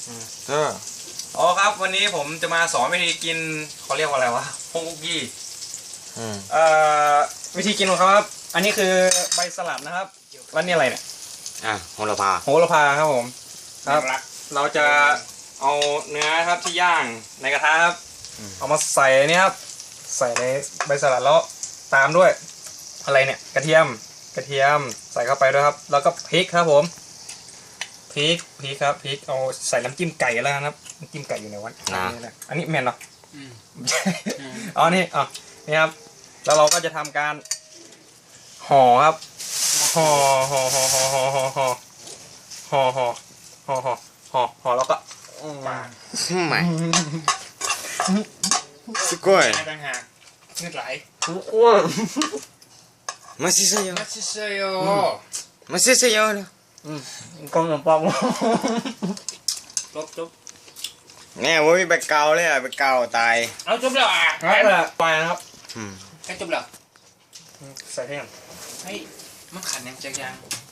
ก็อ๋อครับวันนี้ผมจะมาสอนวิธีกินเขาเรียกว่าอะไรวะพงคุกกี้วิธีกินของเขาครับอันนี้คือใบสลัดนะครับแล้วนี่อะไรเนี่ยโหระพาครับผมครับเราจะเอาเนื้อครับที่ย่างในกระทะครับเอามาใส่เนี่ยครับใส่ในใบสลัดแล้วตามด้วยอะไรเนี่ยกระเทียมใส่เข้าไปด้วยครับแล้วก็พริกครับผมพริกครับพริกเอาใส่น้ำจิ้มไก่แล้วนะครับน้ำจิ้มไก่อยู่ในวันอันนี้แมนเหรออ๋อนี่นี่ครับแล้วเราก็จะทำการห่อครับห่อแล้วก็ไม่すごいต่างหากเงือกไหลマジせよマジせよกองขนมปังจบเนี่ยโว้ยไปเกาเลยไปเกาตายเอาจบแล้วไปนะครับแค่จบแล้วใส่ให้ยังเฮ้ยมันขันยังจัง